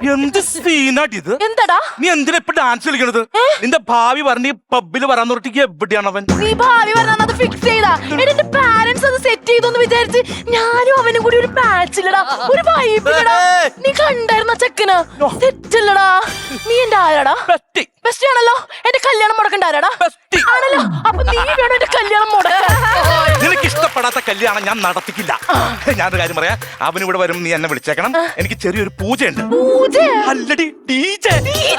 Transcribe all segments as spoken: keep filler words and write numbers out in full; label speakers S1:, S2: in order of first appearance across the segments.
S1: എന്ത് സീനാട്ടി ഇത്?
S2: എന്താടാ
S1: നീ എന്തിനാ ഇപ്പൊ ഡാൻസ് കളിക്കണത്? നിന്റെ ഭാവി പറഞ്ഞ് പബ്ബില് വരാൻ തൊട്ടിക്ക് എവിടെയാണ് അവൻ?
S2: നീ ഭാവി പറഞ്ഞത് ഫിക്സ് ചെയ്താ? എന്റെ പാരന്റ്സ് അത് സെറ്റ് ചെയ്തോന്ന് വിചാരിച്ച് ഞാനും അവനും കൂടി ഒരു മാച്ചില്ലടാ, ഒരു വൈബില്ലടാ. നീ കണ്ടായിരുന്ന ചെക്കന് സെറ്റ് അല്ലടാ. നീ എന്റെ ആരാടാ?
S1: ബെസ്റ്റി.
S2: ബെസ്റ്റ് ആണല്ലോ. എന്റെ കല്യാണം മുടക്കണ്ട ആരാടാ?
S1: ബെസ്റ്റി
S2: ആണല്ലോ. അപ്പൊ നീ വേണം എന്റെ കല്യാണം മുടക്കാൻ.
S1: നിനക്ക് ഇഷ്ടപ്പെടാത്ത കല്യാണം ഞാൻ നടത്തിക്കില്ല. ഞാനൊരു കാര്യം പറയാം, അവൻ ഇവിടെ വരും, നീ എന്നെ വിളിച്ചേക്കണം. എനിക്ക് ചെറിയൊരു പൂജയുണ്ട്.
S2: പൂജ?
S1: അല്ലടി, ഡീജെ.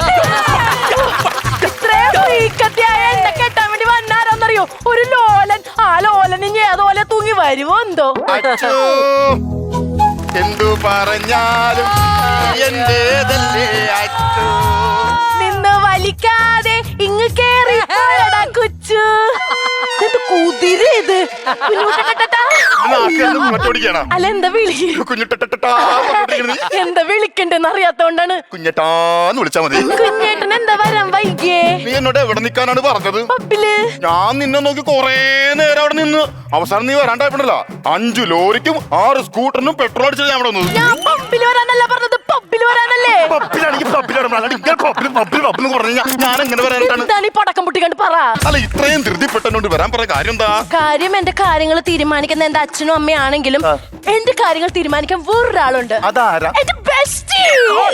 S2: എന്നെ കെട്ടാൻ വേണ്ടി വന്നാരാന്നറിയോ? ഒരു ലോലൻ. ആ ലോലൻ ഇനി ഏതോലെ തൂങ്ങി വരുമോ എന്തോ.
S3: എന്തു പറഞ്ഞാലും എന്റേതല്ലേ അച്ചു.
S2: നിന്ന് വലിക്കാതെ ഇങ്ങ് കേറി കൊച്ചു. കുതിര ഇത്. അല്ല എന്താ വിളി? എന്താ വിളിക്കണ്ടെന്ന് അറിയാത്തോണ്ടാണ്.
S3: കുഞ്ഞേട്ടാന്ന് വിളിച്ചാ മതി.
S2: കുഞ്ഞേട്ടൻ എന്താ വരാൻ വൈകിയേ?
S3: നീ എന്നോട് എവിടെ നിക്കാനാണ് പറഞ്ഞത്?
S2: പബ്ബില്.
S3: ഞാൻ നിന്നെ നോക്കി കൊറേ നേരം അവിടെ നിന്ന് അവസാനം നീ വരാണ്ടായപ്പോഴല്ല അഞ്ചു ലോറിക്കും ആറ് സ്കൂട്ടറിനും പെട്രോൾ അടിച്ചത് ഞാൻ അവിടെ വന്നത്.
S2: ഞാൻ പബ്ബില് വരാനല്ല പറഞ്ഞത്, പബ്ബില് വരാനല്ലേ.
S3: പബ്ബിലാണെങ്കിൽ ഞാൻ എങ്ങനെ വരാനായിട്ടാണ്?
S2: എന്താണ് ഈ പടക്കം പൊട്ടിക്കണ്ട് പറ.
S3: അല്ല ഇത്രയും ധൃതിപ്പെട്ടോണ്ട് വരാൻ പറഞ്ഞ കാര്യം എന്താ?
S2: കാര്യം എന്റെ കാര്യങ്ങൾ തീരുമാനിക്കുന്ന എന്റെ അച്ഛനും അമ്മയാണെങ്കിലും എന്റെ കാര്യങ്ങൾ തീരുമാനിക്കാൻ വേറൊരാളുണ്ട്.
S3: അതാരാ?
S2: എന്റെ ബെസ്റ്റി.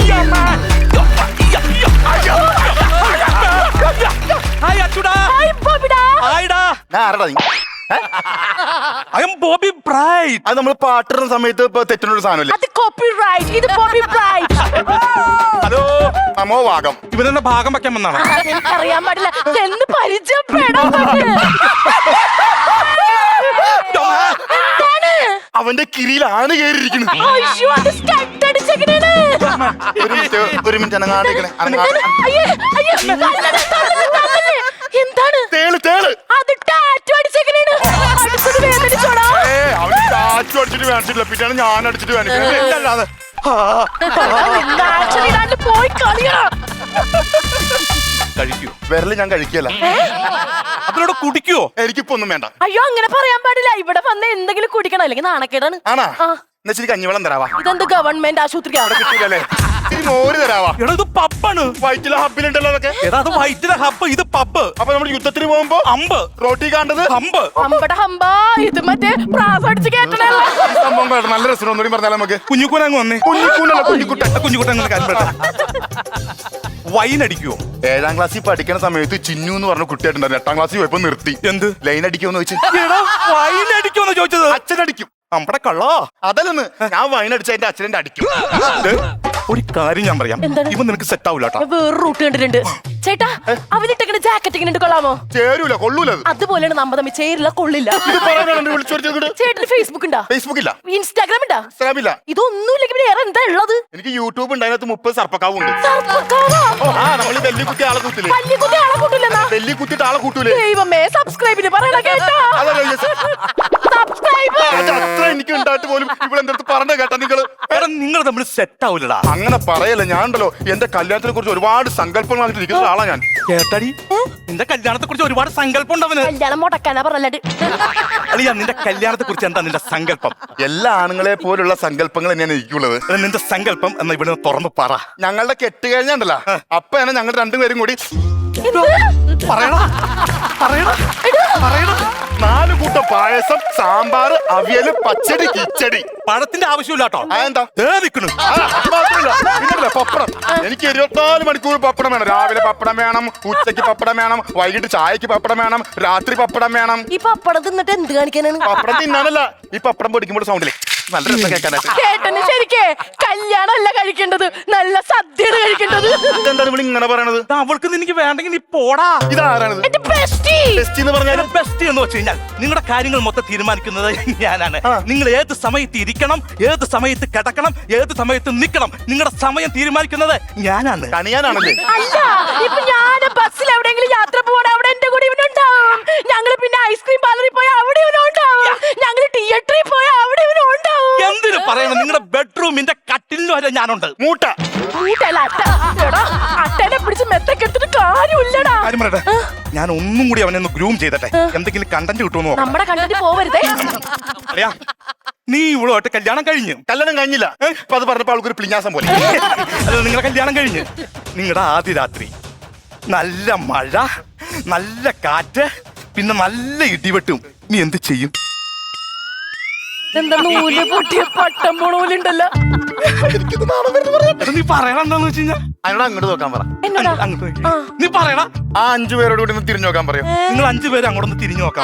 S1: ഹായ് അച്ചുടാ.
S2: ഹായ് ബോബിടാ.
S1: ഹായ്ടാ.
S3: ഞാൻ ആരടാ നീ?
S1: I am Bobby Bright.
S3: അത് നമ്മൾ പാട്ടിടുന്ന സമയത്ത് ഇപ്പൊ തെറ്റിനൊരു സാധനമല്ലേ?
S2: അത് കോപ്പിറൈറ്റ്. ഇത് ബോബി ബ്രൈറ്റ്.
S1: ഹലോ.
S3: നമോ ഭാഗം.
S1: ഇവരെന്നെ ഭാഗം വെക്കാൻ വന്നാണ്.
S2: അറിയാൻ പാടില്ല എന്ന് പരിചയപ്പെടാൻ പറ്റില്ല.
S3: അവന്റെ കിരിയിലാണ് കേറിയിരിക്കുന്നത്.
S2: അയ്യോ അത് സ്റ്റഡ് അടിച്ചെങ്ങനെയാണ്?
S3: ഒരു മിനിറ്റ് ഒരു മിനിറ്റ് അനങ്ങാണ്ടിരിക്കണേ.
S2: എന്താണ്?
S3: തേള് തേള്.
S2: അത് ടാറ്റു അടിച്ചെങ്ങനെയാണ്? അടുത്തത് വേദനിച്ചോടാ.
S3: ഏ അവന് ടാറ്റു അടിച്ചിട്ട് വേണിച്ചിട്ടില്ല, പിന്നെയാണ് ഞാൻ അടിച്ചിട്ട് വേണിച്ചത്.
S2: പോയി കളിയാ.
S1: കഴിക്കൂ.
S3: വിരല് ഞാൻ കഴിക്കല.
S1: അതിലൂടെ കുടിക്കുവോ?
S3: എനിക്കിപ്പോ ഒന്നും വേണ്ട.
S2: അയ്യോ അങ്ങനെ പറയാൻ പാടില്ല. ഇവിടെ വന്ന് എന്തെങ്കിലും കുടിക്കണം, അല്ലെങ്കിൽ നാണക്കേടാണ്.
S3: ആണാ? എന്നാ ശരി കഞ്ഞിവെള്ളം തരാവാ.
S2: ഇതെന്ത് ഗവൺമെന്റ് ആശുപത്രിയാണ്?
S3: കിട്ടൂലേ? ഇത്തിരി മോര് തരാവാ.
S1: എടാ ഇത് പബ്ബാണ്.
S3: വൈറ്റിലെ ഹബ്ബിലുണ്ടല്ലോ അതൊക്കെ.
S1: എടാ അത് വൈറ്റിലെ ഹബ്ബ്, ഇത് പബ്ബ്.
S3: അപ്പൊ നമ്മൾ യുദ്ധത്തിന് പോകുമ്പോ
S1: അമ്പ്
S3: റോട്ടി കാണ്ടത്
S1: ഹമ്പ്.
S2: അമ്പട ഹമ്പാ. ഇത് മറ്റേ പ്രാസ് അടിച്ച് കേട്ടണല്ലോ.
S3: സംഭവം കേട്ടോ, നല്ല രസം. ഒന്നുകൂടി പറഞ്ഞാൽ നമുക്ക്.
S1: കുഞ്ഞുക്കൂനങ്ങ് വന്നേ.
S3: കുഞ്ഞിക്കൂനല്ല കുഞ്ഞിക്കുട്ട.
S1: കുഞ്ഞുകുട്ട അങ്ങനെ കാര്യം പറ. വൈൻ അടിക്കുവോ?
S3: ഏഴാം ക്ലാസ്സിൽ പഠിക്കുന്ന സമയത്ത് ചിന്നു എന്ന് പറഞ്ഞ കുട്ടിയായിട്ടുണ്ടായിരുന്നു. എട്ടാം ക്ലാസ്സിൽ പോയപ്പോ നിർത്തി.
S1: എന്ത്
S3: ലൈൻ അടിക്കുമെന്ന് ചോദിച്ചു.
S1: വൈൻ അടിക്കുമെന്ന് ചോദിച്ചത്?
S3: അച്ഛനടിക്കും.
S1: നമ്മുടെ കള്ളോ
S3: അതല്ലെന്ന്. ഞാൻ വൈൻ അടിച്ച എന്റെ അച്ഛനെ അടിക്കും.
S1: ഒരു കാര്യം ഞാൻ പറയാം, ഇവൻ നിനക്ക് സെറ്റ് ആവൂല.
S2: വേറെ റൂട്ട് കണ്ടിട്ടുണ്ട് ചേട്ടാ. അവനിട്ടേക്കുന്ന ജാക്കറ്റ് ഇങ്ങനെ കൊള്ളാമോ?
S3: ചേരൂല, കൊള്ളൂല.
S2: അതുപോലെയാണ് നമ്മ തമ്മിൽ ചേരില്ല, കൊള്ളില്ല. ചേട്ടന് ഫേസ്ബുക്ക് ഉണ്ടോ?
S3: ഫേസ്ബുക്ക് ഇല്ല.
S2: ഇൻസ്റ്റാഗ്രാം ഉണ്ടോ?
S3: ഇൻസ്റ്റാഗ്രാം ഇല്ല.
S2: ഇതൊന്നും ഇല്ലെങ്കിൽ വേറെ എന്താ ഉള്ളത്?
S3: എനിക്ക് യൂട്യൂബ് ഉണ്ട്, അതിനകത്ത് മുപ്പത് സർപ്പക്കാവുണ്ട്. ആ നമ്മള് വെല്ലി കുത്തി ആളെ കൂട്ടില്ലേ?
S2: കുത്തി ആളെ കൂട്ടില്ലെന്നാ?
S3: വെല്ലി കുത്തിട്ട് ആളെ കൂട്ടൂലേ?
S2: ദൈവമേ, സബ്സ്ക്രൈബിന് പറയണ കേട്ടോ. സബ്സ്ക്രൈബ്
S3: അത്ര എനിക്ക് ഉണ്ടായിട്ട് പോലും ഇവിടെ എന്റെ അടുത്ത് പറഞ്ഞ കേട്ടാ നിങ്ങള്.
S1: നിങ്ങൾ തമ്മിൽ സെറ്റ് ആവൂലടാ.
S3: അങ്ങനെ പറയല്ല. ഞാൻ ഉണ്ടല്ലോ എന്റെ കല്യാണത്തിനെ കുറിച്ച് ഒരുപാട് സങ്കല്പങ്ങളായിട്ട് ഇരിക്കുന്ന ഒരാളാ ഞാൻ.
S1: കേട്ടടി, നിന്റെ കല്യാണത്തെ കുറിച്ച് ഒരുപാട് സങ്കല്പം ഉണ്ടവന്.
S2: കല്യാണം മുടക്കാനാ പറഞ്ഞത്.
S1: അളിയാ, നിന്റെ കല്യാണത്തെ കുറിച്ച് എന്താ നിന്റെ സങ്കല്പം?
S3: എല്ലാ ആണുങ്ങളെ പോലുള്ള സങ്കല്പങ്ങൾ തന്നെയാണ് എനിക്കുള്ളത്.
S1: നിന്റെ സങ്കല്പം എന്നാ ഇവിടെ തുറന്നു പറ.
S3: ഞങ്ങളുടെ കെട്ട് കഴിഞ്ഞാണ്ടല്ലോ അപ്പൊ തന്നെ ഞങ്ങൾ രണ്ടുപേരും കൂടി
S1: പറയണ പറയണ പറയണ
S3: നാല് കൂട്ടം പായസം, സാമ്പാർ, അവിയല്, പച്ചടി, കിച്ചടി.
S1: പഴത്തിന്റെ ആവശ്യമില്ല കേട്ടോ.
S3: അതെന്താ?
S1: നിക്കണു.
S3: പിന്നല്ലേ പപ്പടം. എനിക്ക് ഇരുപത്തിനാല് മണിക്കൂർ പപ്പടം വേണം. രാവിലെ പപ്പടം വേണം, ഉച്ചയ്ക്ക് പപ്പടം വേണം, വൈകിട്ട് ചായക്ക് പപ്പടം വേണം, രാത്രി പപ്പടം വേണം.
S2: ഈ പപ്പടം തിന്നിട്ട് എന്ത് കാണിക്കാനാണ്?
S3: പപ്പടം തിന്നാനല്ല, ഈ പപ്പടം പൊടിക്കുമ്പോൾ സൗണ്ടില്ലേ നല്ല രസം കേൾക്കാനായിട്ട്.
S2: കേട്ടന് ശരിക്കേ കല്യാണം അല്ല കഴിക്കേണ്ടത്, നല്ല സദ്യയാണ് കഴിക്കേണ്ടത്.
S3: എന്താണ് ഇവിടെ ഇങ്ങനെ പറയണത്?
S1: അവൾക്ക് നിനക്ക് വേണ്ടെങ്കിൽ നീ പോടാ.
S3: ഇതാരാണത്? ബെസ്റ്റ് എന്ന് പറഞ്ഞാൽ
S1: ബെസ്റ്റ് എന്ന് വെച്ച് കഴിഞ്ഞാൽ നിങ്ങളുടെ കാര്യങ്ങൾ മൊത്തം തീരുമാനിക്കുന്നത് ഞാനാണ്. നിങ്ങൾ ഏത് സമയത്ത് ഇരിക്കണം, ഏത് സമയത്ത് കിടക്കണം, ഏത് സമയത്ത് നിൽക്കണം, നിങ്ങളുടെ സമയം തീരുമാനിക്കുന്നത് ഞാനാണ്.
S3: കണിയാനാണല്ലേ?
S2: അല്ല, ഇപ്പൊ ഞാൻ ബസ്സിൽ എവിടെയെങ്കിലും യാത്ര പോകണം, അവിടെ എന്റെ കൂടെ ഇവനുണ്ടാവും. ഞങ്ങള് പിന്നെ ഐസ്ക്രീം പാർലറിൽ പോയാൽ അവിടെ ഇവനുണ്ടാവും. ഞങ്ങള് തിയേറ്ററിൽ പോയാൽ അവിടെ ഇവനുണ്ടാവും.
S1: എന്തിനു പറയണം? നിങ്ങളുടെ ബെഡ്റൂമിന്റെ കട്ടിലിന് വരെ ഞാനുണ്ട്.
S3: മൂട്ട
S2: മൂട്ടല്ല അട്ട. അട്ടനെ പിടിച്ച് മെത്തക്കെടുത്തിട്ട് കാര്യമില്ലടാ.
S1: കാര്യം പറയട്ടെ, ഞാൻ ഒന്നും കൂടി അവനെ ഒന്ന് ഗ്രൂം ചെയ്തട്ടെ, എന്തെങ്കിലും കണ്ടന്റ് കിട്ടുമെന്നോ.
S2: നമ്മുടെ കണ്ടന്റ് പോവരുതേ.
S1: അറിയാ, നീ ഇവളുമായിട്ട് കല്യാണം കഴിഞ്ഞു.
S3: കല്യാണം കഴിഞ്ഞില്ല. ഇപ്പൊ അത് പറഞ്ഞപ്പോ ആൾക്കൊരു പ്ലിഞ്ഞാസം പോലെ.
S1: അത് നിങ്ങളെ കല്യാണം കഴിഞ്ഞ് നിങ്ങളുടെ ആദ്യ രാത്രി നല്ല മഴ, നല്ല കാറ്റ്, പിന്നെ നല്ല ഇടിവെട്ടും. നീ എന്ത് ചെയ്യും?
S2: എന്താ നൂല് പൊട്ടിയ പട്ടം പോണൂലുണ്ടല്ലോ.
S1: നീ പറയണ എന്താന്ന് വെച്ച് കഴിഞ്ഞാ
S3: അതിനോട് അങ്ങോട്ട് നോക്കാൻ പറ.
S2: എന്നോടാ?
S1: അങ്ങോട്ട് നോക്ക്.
S2: ആ.
S1: നീ പറയണ.
S3: ആ അഞ്ചു പേരോട് കൂടി ഒന്ന് തിരിഞ്ഞു നോക്കാൻ പറയും.
S1: നിങ്ങൾ അഞ്ചു പേര് അങ്ങോട്ടൊന്ന് തിരിഞ്ഞു നോക്കാം.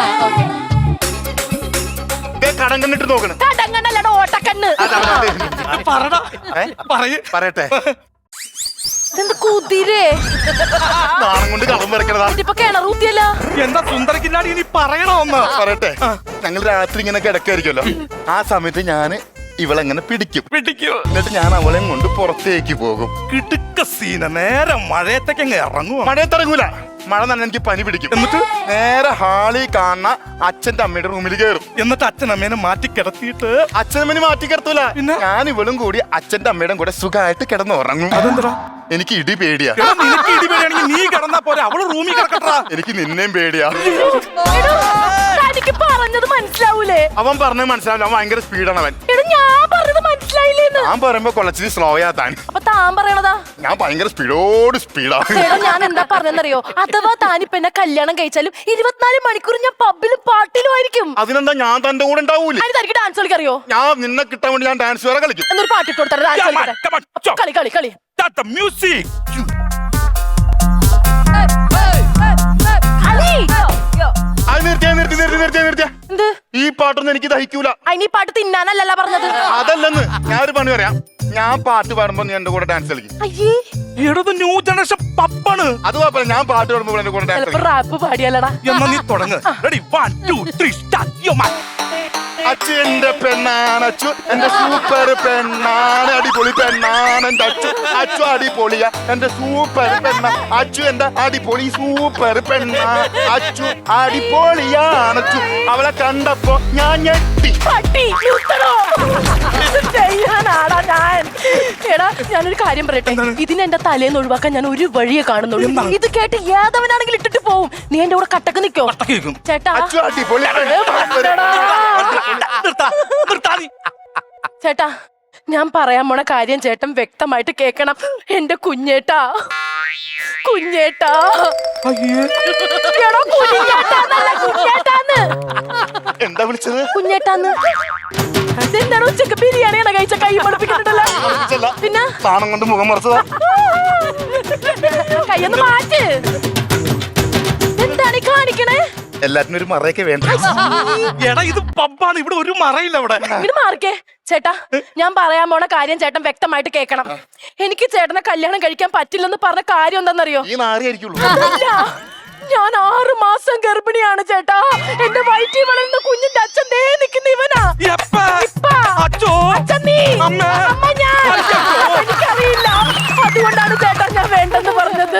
S3: കടം കണ്ടിട്ട് നോക്കണം.
S2: കടങ്ങണ്ടല്ലടാ, ഓട്ടക്കണ്ണ്.
S1: പറടാ. പറയ്.
S3: പറയട്ടെ.
S2: ഇതെന്ത് കുതിരേ?
S3: നാണം കൊണ്ട് കളം വരക്കണതാ.
S2: ഇതിപ്പോ കിണറൂത്തിയല്ല.
S1: എന്താ സുന്ദരക്കില്ലാടി നീ പറയണോ ഒന്ന്?
S3: പറയട്ടെ. ഞങ്ങൾ രാത്രി ഇങ്ങനെ കിടക്കായിരിക്കുമല്ലോ. ആ സമയത്ത് ഞാന് ഇവളെങ്ങനെ പിടിക്കും.
S1: പിടിക്കൂ.
S3: എന്നിട്ട് ഞാൻ അവളെ കൊണ്ട് പുറത്തേക്ക് പോകും.
S1: കിടുക്ക സീന. നേരെ മഴയത്തേക്ക് അങ്ങ് ഇറങ്ങും.
S3: മഴയത്തിറങ്ങൂല. മഴ തന്നെ എനിക്ക് പനി പിടിക്കും.
S1: എന്നിട്ട്
S3: നേരെ ഹാളിൽ കാണുന്ന അച്ഛന്റെ അമ്മയുടെ റൂമിൽ കയറും.
S1: എന്നിട്ട് അച്ഛൻ അമ്മേനെ മാറ്റി കിടത്തിയിട്ട്
S3: അച്ഛനമ്മനെ മാറ്റി കിടത്തൂല.
S1: പിന്നെ?
S3: ഞാൻ ഇവളും കൂടി അച്ഛന്റെ അമ്മയുടെ കൂടെ സുഖമായിട്ട് കിടന്ന് ഉറങ്ങും.
S1: അതെന്താ?
S3: എനിക്ക് ഇടി പേടിയാ.
S1: എടാ, നിനക്ക് ഇടിപെടിയാണെങ്കിൽ നീ കിടന്നാ പോരെ, അവള് റൂമിൽ കിടക്കട്ടാ.
S3: എനിക്ക് നിന്നെയും പേടിയാ.
S2: എടോ, തനിക്ക് പറഞ്ഞത് മനസ്സിലാവൂലേ?
S3: അവൻ പറഞ്ഞത് മനസ്സിലാവില്ല. അവൻ ഭയങ്കര സ്പീഡാണ് അവൻ.
S2: എടോ, ഞാൻ പറഞ്ഞത് മനസ്സിലായില്ലേന്ന്.
S3: ഞാൻ പറയുമ്പോ കൊളച്ചിരി സ്ലോയാ താൻ.
S2: അപ്പൊ താൻ പറയണതാ?
S3: ഞാൻ ഭയങ്കര സ്പീഡോട് സ്പീഡാ.
S2: എടോ, ഞാൻ എന്താ പറഞ്ഞെന്നറിയോ? അഥവാ താനിപ്പ എന്നെ കല്യാണം കഴിച്ചാലും ഇരുപത്തിനാല് മണിക്കൂർ ഞാൻ പബ്ബിലും പാട്ടിലും ആയിരിക്കും.
S3: അതിനെന്താ ഞാൻ തന്റെ കൂടെ ഉണ്ടാവൂലേ?
S2: അതിന് തനിക്ക് ഡാൻസ് കളിക്കറിയോ?
S3: ഞാൻ നിന്നെ കിട്ടാൻ വേണ്ടി ഞാൻ ഡാൻസ് വേറെ കളിക്കും.
S2: എന്നൊരു പാട്ടിട്ട് കൊടുത്തരാം, ഡാൻസ്
S1: Come on,
S2: കളിക്കട്ടെ.
S1: come on, chop.
S2: കളി കളി കളി.
S1: Start the music.
S2: കളി.
S3: അത് നിർത്തിയാ നിർത്തി നിർത്തി നിർത്തിയാ നിർത്തിയാ.
S2: എന്ത്?
S3: ഈ പാട്ടൊന്നും എനിക്ക് ദഹിക്കൂല.
S2: അതിന് ഈ പാട്ട് തിന്നാനല്ലല്ല പറഞ്ഞത്.
S3: അതല്ലെന്ന് ഞാൻ ഒരു പണി പറയാം. ഞാൻ പാട്ട് പാടുമ്പോ നീ എന്റെ കൂടെ ഡാൻസ് കളിക്കും.
S2: അയ്യേ,
S1: എടത് ന്യൂ ജനറേഷൻ പപ്പാണ്.
S3: അത് കുഴപ്പമില്ല. ഞാൻ പാട്ട് പാടുമ്പോ എന്റെ കൂടെ ഡാൻസ്
S2: ചിലപ്പോ
S3: കളിക്കും.
S2: റാപ്പ് പാടിയാലടാ.
S1: എന്നാ നീ തുടങ്ങ്. Ready, one two three start. Yo man.
S3: Achu എന്റെ പെണ്ണാണ്. അച്ചു എന്റെ സൂപ്പർ പെണ്ണാണ്. അടിപൊളി പെണ്ണാണ് എന്റെ അച്ചു. അച്ചു അടിപൊളിയാ എന്റെ സൂപ്പർ പെണ്ണ. അച്ചു എന്റെ അടിപൊളി സൂപ്പർ പെണ്ണ. അച്ചു അടിപൊളിയാണ് അച്ചു. അവളെ കണ്ടപ്പോ ഞാൻ ഞെട്ടി.
S2: പട്ടി നിർത്തണോ? ഇത് ചെയ്യാനാടാ ഞാൻ. എടാ, ഞാനൊരു കാര്യം പറയട്ടെ. ഇതിനെ എന്റെ തലേന്ന് ഒഴിവാക്കാൻ ഞാൻ ഒരു വഴിയെ കാണുന്നുള്ളൂ. ഇത് കേട്ട് ഏതവനാണെങ്കിലും ഇട്ടിട്ട് പോവും. നീ എന്റെ കൂടെ കട്ടക്ക് നിക്കോ?
S1: കേൾക്കും.
S2: ചേട്ടാ,
S3: അച്ചു അടിപൊളിയാണ്.
S1: നിർത്താ, നിർത്താ നീ.
S2: ചേട്ടാ, ഞാൻ പറയാൻ പോണ കാര്യം ചേട്ടൻ വ്യക്തമായിട്ട് കേക്കണം. എന്റെ കുഞ്ഞേട്ടാ, കുഞ്ഞേട്ടാ.
S1: അയ്യേ.
S2: എടാ, കുഞ്ഞേട്ടാന്നല്ല, കുഞ്ഞേട്ടാന്ന്.
S3: എന്താ വിളിച്ചത്?
S2: കുഞ്ഞേട്ടാന്ന്. ഇതെന്താണ് ഉച്ചക്ക് ബിരിയാണിയാണ് കഴിച്ച കൈ പൊളിപ്പിക്കുന്നുണ്ടല്ലോ?
S3: വിളിച്ചല്ല.
S2: പിന്നെ
S3: നാണം കൊണ്ട് മുഖം മറച്ചതാ.
S2: കൈയൊന്ന് മാറ്റ്. എന്താണ് ഈ കാണിക്കണേ?
S3: എല്ലാത്തിനും ഒരു മറയൊക്കെ വേണ്ട.
S1: എടാ, ഇത് പബ്ബാണ്. ഇവിടെ ഒരു മറയില്ല. ഇവിടെ
S2: ഇങ്ങനെ മാറിക്കേ. ചേട്ടാ, ഞാൻ പറയാൻ പോണ കാര്യം ചേട്ടൻ വ്യക്തമായിട്ട് കേൾക്കണം. എനിക്ക് ചേട്ടനെ കല്യാണം കഴിക്കാൻ പറ്റില്ലെന്ന് പറഞ്ഞ കാര്യം എന്താണെന്നറിയോ?
S3: ഈ നാറിയായിരിക്കുള്ളൂ.
S2: അല്ല, ഞാൻ ആറ് മാസം ഗർഭിണിയാണ് ചേട്ടാ. എന്റെ വയറ്റിൽ വളരുന്ന കുഞ്ഞിന്റെ അച്ഛൻ ദേ നിൽക്കുന്ന ഇവനാ.
S1: എപ്പ?
S2: ഇപ്പ.
S1: അച്ചോ.
S2: അച്ഛൻ നീ.
S1: അമ്മ.
S2: അമ്മ ഞാൻ. എനിക്കറിയില്ല. അതുകൊണ്ടാണ് ചേട്ടാ ഞാൻ വേണ്ടെന്ന് പറഞ്ഞത്.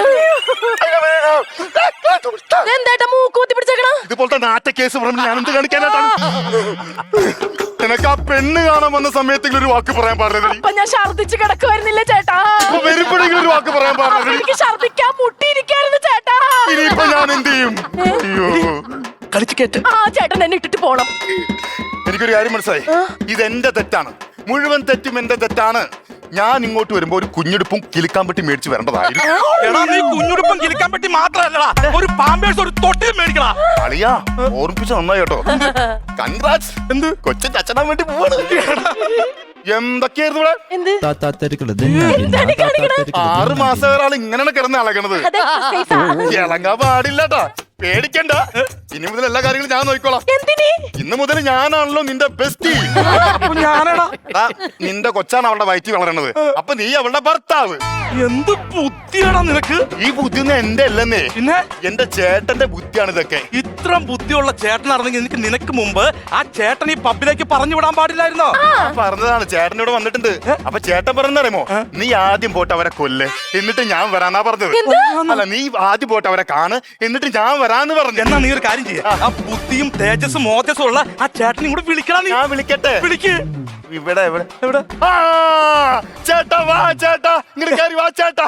S2: എന്തേട്ടാ മൂക്കൂത്തി പിടിച്ചേക്കണ?
S3: ഇതുപോലത്തെ നാറ്റ കേസ് പറഞ്ഞ് ഞാൻ എന്ത് കാണിക്കാനായിട്ടാണ്? നിനക്ക് ആ പെണ്ണ് കാണാൻ വന്ന സമയത്തെങ്കിലും ഒരു വാക്ക് പറയാൻ പാടില്ല.
S2: അപ്പൊ ഞാൻ ഛർദിച്ച് കിടക്കുവായിരുന്നില്ല ചേട്ടാ.
S3: വരുമ്പോഴെങ്കിലും ഒരു വാക്ക് പറയാൻ
S2: അപ്പൊ
S3: പാടില്ല.
S2: എനിക്ക് ഛർദിക്കാൻ മുട്ടിയിരിക്കായിരുന്നു ചേട്ടാ.
S3: ഇനിയിപ്പോ ഞാൻ എന്ത് ചെയ്യും? അയ്യോ,
S1: കളിച്ച് കേട്ട്.
S2: ആ ചേട്ടൻ എന്നെ ഇട്ടിട്ട് പോണം.
S3: എനിക്കൊരു കാര്യം മനസ്സിലായി. ഇതെന്റെ തെറ്റാണ്. മുഴുവൻ തെറ്റും എന്റെ തെറ്റാണ്. ഞാൻ ഇങ്ങോട്ട് വരുമ്പോ ഒരു കുഞ്ഞെടുപ്പും കിളിക്കാൻ പറ്റി മേടിച്ച് വരേണ്ടതായിരുന്നു.
S1: എടാ, നീ കുഞ്ഞുടുപ്പം കിളിക്കാൻ പറ്റി മാത്രല്ലടാ, ഒരു പാമ്പേഴ്സ് ഒരു തൊട്ടിൽ മേടിക്കടാ.
S3: അളിയാ, ഓർമ്മിപ്പിച്ച നന്നായി കേട്ടോ. കൺഗ്രാറ്റ്സ്.
S1: എന്ത്?
S3: കൊച്ചിന്റെ അച്ഛനാൻ വേണ്ടി പോവാണ്. എന്തൊക്കെയായിരുന്നു ഇവിടെ?
S2: എന്ത്?
S4: എന്താണ്
S2: ഈ കാണിക്കണേ?
S3: ആറ് മാസം ഒരാൾ ഇങ്ങനെയാണ് കിടന്ന് ഇളകണത്.
S2: അതെ, safe ആ.
S3: ഇളകാൻ പാടില്ലട്ടാ. പേടിക്കണ്ട. ഇനി മുതൽ എല്ലാ കാര്യങ്ങളും ഞാൻ നോക്കിക്കോളാം.
S2: എന്തിനി?
S3: ഇന്ന് മുതൽ ഞാനാണല്ലോ നിന്റെ ബെസ്റ്റി.
S1: അപ്പൊ ഞാനടാ.
S3: നിന്റെ കൊച്ചാണ് അവളുടെ വയറ്റിൽ വളരണത്. അപ്പൊ നീ അവളുടെ ഭർത്താവ്.
S1: എന്ത് ബുദ്ധിയാടാ നിനക്ക്?
S3: ഈ ബുദ്ധിയൊന്നും എന്റെ അല്ലെന്നേ,
S1: പിന്നെ
S3: എന്റെ ചേട്ടന്റെ ബുദ്ധിയാണ് ഇതൊക്കെ.
S1: ഇത്ര ബുദ്ധിയുള്ള ചേട്ടനായിരുന്നെങ്കിൽ എനിക്ക് നിനക്ക് മുമ്പ് ആ ചേട്ടൻ ഈ പബ്ബിലേക്ക് പറഞ്ഞു വിടാൻ പാടില്ലായിരുന്നോ?
S3: ഞാൻ പറഞ്ഞതാണ്. ചേട്ടൻ ഇവിടെ വന്നിട്ടുണ്ട്. അപ്പൊ ചേട്ടൻ പറഞ്ഞറിയുമോ, നീ ആദ്യം പോട്ട് അവരെ കൊല്ല്, എന്നിട്ട് ഞാൻ വരാന്നാ പറഞ്ഞത്. അല്ല, നീ ആദ്യം പോട്ട് അവരെ കാണ്, എന്നിട്ട് ഞാൻ വരാന്ന് പറഞ്ഞു.
S1: എന്നാ നീ ഒരു കാര്യം ചെയ്യാ, ആ ബുദ്ധിയും തേജസ്സും മോജസ്സും ഉള്ള ആ ചേട്ടനും കൂടെ വിളിക്കണം. നീ
S3: ഞാൻ വിളിക്കട്ടെ?
S1: വിളിക്ക്.
S3: ഇവിടെ എവിടെ
S1: എവിടെ?
S3: ആ, ചേട്ടാ വാ ചേട്ടാ, ഇങ്ങോട്ട് കയറി വാ ചേട്ടാ.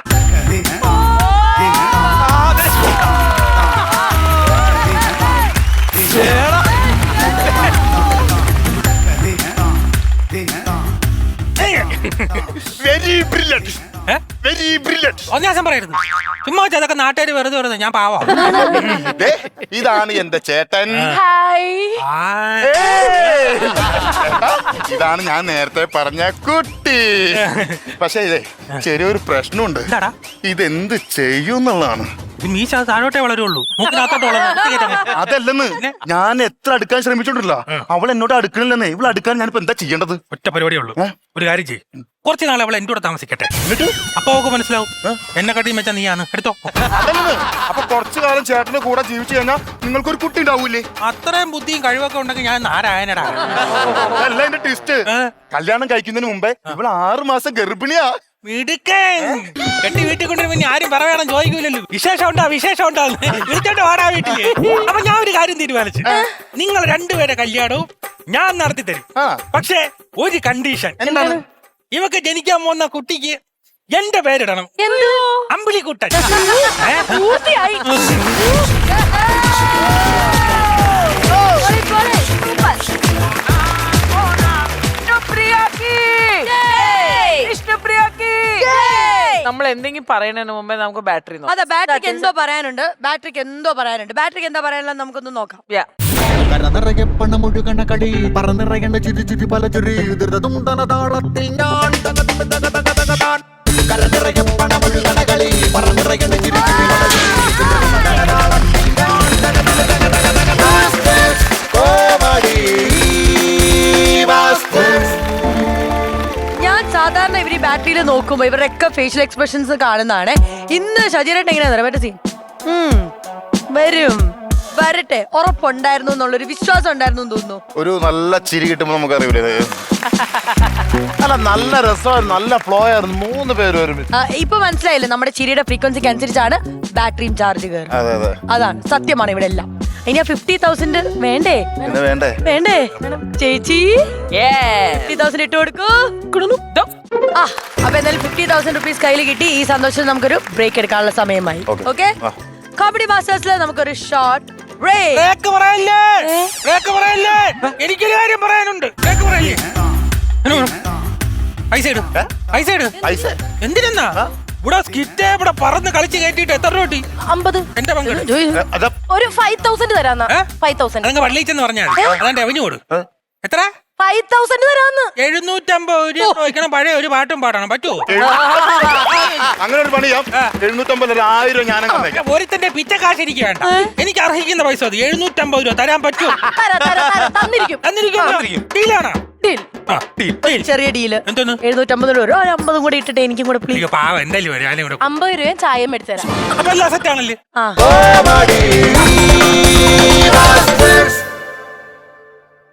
S1: ആ, ദേ. ചേടാ.
S3: വെരി ബ്രില്യന്റ്
S5: ഏ?
S3: Very brilliant.
S5: ഒന്നാസം പറയരുത്. ചുമ്മാ വെച്ചാ അതൊക്കെ നാട്ടുകാർ വെറുതെ വെറുതെ ഞാൻ പാവാ.
S3: ഇതാണ് എന്റെ ചേട്ടൻ.
S2: ഹായ്.
S3: ഏയ്! ചേട്ടാ, ഇതാണ് ഞാൻ നേരത്തെ പറഞ്ഞ കുട്ടി. പക്ഷെ ഇതേ ചെറിയൊരു പ്രശ്നമുണ്ട്.
S5: എന്താടാ?
S3: ഇതെന്ത് ചെയ്യുന്നുള്ളതാണ്.
S5: ഇത് മീശ അത് താഴോട്ടേ വളരുള്ളൂ. മൂക്കിനകത്തോട്ട് വളരും.
S3: അതല്ലെന്ന് ഞാൻ എത്ര അടുക്കാൻ ശ്രമിച്ചോണ്ടില്ല, അവൾ എന്നോട് അടുക്കണില്ലെന്നേ. ഇവൾ അടുക്കാൻ ഞാനിപ്പോ എന്താ ചെയ്യേണ്ടത്?
S5: ഒറ്റ പരിപാടിയേ ഉള്ളൂ.
S3: ഏ?
S5: ഒരു കാര്യം ചെയ്യും, കുറച്ച് നാളെ അവളെ എന്റെ കൂടെ താമസിക്കട്ടെ.
S3: എന്നിട്ട്
S5: അപ്പൊ അവൾക്ക് മനസ്സിലാവും എന്നെ കട്ടിയും വെച്ചാ നീയാണ്. എടുത്തോ.
S3: അതല്ലെന്ന് അപ്പൊ കുറച്ചു കാലം ചേട്ടന്റെ കൂടെ ജീവിച്ചു കഴിഞ്ഞാൽ നിങ്ങൾക്കൊരു കുട്ടി ഉണ്ടാവൂലേ?
S5: അത്രയും ബുദ്ധിയും കഴിവൊക്കെ ഉണ്ടെങ്കിൽ ഞാൻ നാരായണടാ.
S3: അതല്ല എന്റെ ട്വിസ്റ്റ്.
S5: ഏ?
S3: കല്യാണം കഴിക്കുന്നതിന് മുമ്പേ ഇവൾ ആറു മാസം ഗർഭിണിയാ.
S5: മിടുക്കൻ. കെട്ടി വീട്ടിൽ കൊണ്ടുവരുമ്പോ ഇനി ആരും പറയണം ചോദിക്കൂലല്ലോ. വിശേഷം ഉണ്ടാ വിശേഷം ഉണ്ടാവും വിളിച്ചോണ്ട് വാടാ വീട്ടില്. അപ്പൊ ഞാൻ ഒരു കാര്യം തീരുമാനിച്ചു. നിങ്ങൾ രണ്ടുപേരെ കല്യാണവും ഞാൻ നടത്തി തരും.
S3: ആ.
S5: പക്ഷേ ഒരു കണ്ടീഷൻ.
S3: എന്താണ്?
S5: ഇവക്ക് ജനിക്കാൻ പോകുന്ന കുട്ടിക്ക് എന്റെ പേരിടണം.
S2: എന്തോ
S5: അമ്പിളിക്കുട്ടൻ. ഏ?
S2: പൂർത്തിയായി.
S6: നമ്മൾ എന്തെങ്കിലും പറയുന്നതിന് മുമ്പേ നമുക്ക് ബാറ്ററി
S7: അതെ, ബാറ്ററിക്ക് എന്തോ പറയാനുണ്ട്. ബാറ്ററിക്ക് എന്തോ പറയാനുണ്ട്. ബാറ്ററിക്ക് എന്താ പറയാനുള്ളത് നമുക്കൊന്ന് നോക്കാം.
S4: കരനിറയെ പണമൊഴുകണ കളി പറന്നിറയണ ചിരി ചിരി പല ചിരി ധൃതതുണ്ടന താളത്തിൽ ഞാൻ തകതക തകതക തകതാൻ. കരനിറയെ പണമൊഴുകണ കളി പറന്നിറയണ ചിരി ചിരി പല ചിരി ധൃതതുണ്ടന താളത്തിൽ ഞാൻ തകതക തകതക തകതാൻ. Comedy masters.
S7: ഞാൻ സാധാരണ ഇവർ ഈ ബാറ്ററിയിൽ നോക്കുമ്പോ ഇവരുടെയൊക്കെ ഫേഷ്യൽ എക്സ്പ്രഷൻസ് കാണുന്നതാണ്. ഇന്ന് ഷജീരേട്ടൻ എങ്ങനെയാ മറ്റേ സീൻ വരും വരട്ടെ ഉറപ്പുണ്ടായിരുന്നു എന്നുള്ളൊരു വിശ്വാസം ഉണ്ടായിരുന്നു എന്ന് തോന്നുന്നു.
S3: ഒരു നല്ല ചിരി കിട്ടുമ്പോ നമുക്ക് അറിയില്ലേ? അല്ല, നല്ല രസമായിരുന്നു, നല്ല ഫ്ലോ ആയിരുന്നു. മൂന്ന് പേര് ഒരുമിച്ച്.
S7: ആ, ഇപ്പൊ മനസ്സിലായില്ലേ നമ്മുടെ ചിരിയുടെ ഫ്രീക്വൻസിക്ക് അനുസരിച്ചാണ് ബാറ്ററിയും ചാർജ് കയറുന്നത്.
S3: അതെ അതെ,
S7: അതാണ് സത്യമാണ് ഇവിടെ എല്ലാം. ഇനി ആ ഫിഫ്റ്റി തൗസൻഡ് വേണ്ടേ
S3: പിന്നെ വേണ്ടേ?
S7: വേണ്ടേ ചേച്ചി ഫിഫ്റ്റി തൗസൻഡ് ഇട്ട് കൊടുക്കൂ. ആ അപ്പൊ എന്തായാലും ഫിഫ്റ്റി തൗസൻഡ് റുപ്പീസ് കയ്യിൽ കിട്ടി. ഈ സന്തോഷം നമുക്കൊരു ബ്രേക്ക് എടുക്കാനുള്ള സമയമായി.
S3: Okay.
S7: ഓക്കെ,
S3: ആ.
S7: കോമഡി മാസ്റ്റേഴ്സിൽ നമുക്കൊരു ഷോർട്ട് ബ്രേക്ക്.
S5: ബ്രേക്ക് പറയല്ലേ, ബ്രേക്ക് പറയല്ലേ. എനിക്കൊരു കാര്യം പറയാനുണ്ട്. ബ്രേക്ക് പറയല്ലേ. പൈസ ഇടും, പൈസ ഇടും.
S3: പൈസ
S5: എന്തിനാ ഇവിടെ സ്കിറ്റ് ഇവിടെ പറന്ന് കളിച്ച് കയറ്റിട്ട് എത്ര രൂപ കിട്ടി?
S2: അമ്പത്.
S5: എന്റെ പങ്കെടു
S3: അതാ
S2: ഒരു ഫൈവ് തൗസൻഡ് തരാന്ന്.
S5: ഏ?
S2: ഫൈവ് തൗസൻഡ്
S5: അതങ്ങ് പള്ളിച്ചെന്ന് പറഞ്ഞാൽ അതാണ്ട് റവന്യൂ കൊടു. എത്ര?
S2: ഫൈവ് തൗസൻഡ് തരാന്ന്.
S5: എഴുന്നൂറ്റമ്പത് രൂപ വയ്ക്കണം. പഴയ ഒരു പാട്ടും പാടണം. പറ്റുമോ?
S3: അങ്ങനെ ഒരു പണി ചെയ്യാം. എഴുന്നൂറ്റമ്പത് ഒരു ആയിരം ഞാനങ്ങ് തന്നേക്കാം.
S5: ഒരുത്തന്റെ പിച്ചക്കാശ് എനിക്ക് വേണ്ട. എനിക്ക് അർഹിക്കുന്ന പൈസ മതി. എഴുന്നൂറ്റമ്പത് രൂപ തരാൻ പറ്റുമോ?
S2: തരാം, തരാം, തരാം. തന്നിരിക്കും.
S5: തന്നിരിക്കും. ഡീലാണോ?
S2: Deal.
S5: ആ, deal, deal.
S7: ചെറിയ ഡീല്
S5: എന്തോന്ന്?
S7: എഴുന്നൂറ്റമ്പത് രൂപ ഒരു അമ്പതും കൂടി ഇട്ടിട്ട് എനിക്കും കൂടെ പ്ലീസ്.
S5: അയ്യോ, പാവം എന്തായാലും വരും. ഞാനും കൂടെ
S2: അമ്പത് രൂപയും ചായയും എടുത്തു തരാം.
S5: അപ്പൊ എല്ലാ സെറ്റ് ആണല്ലേ?
S7: ആ
S4: കോമഡി മാസ്റ്റേഴ്സ്.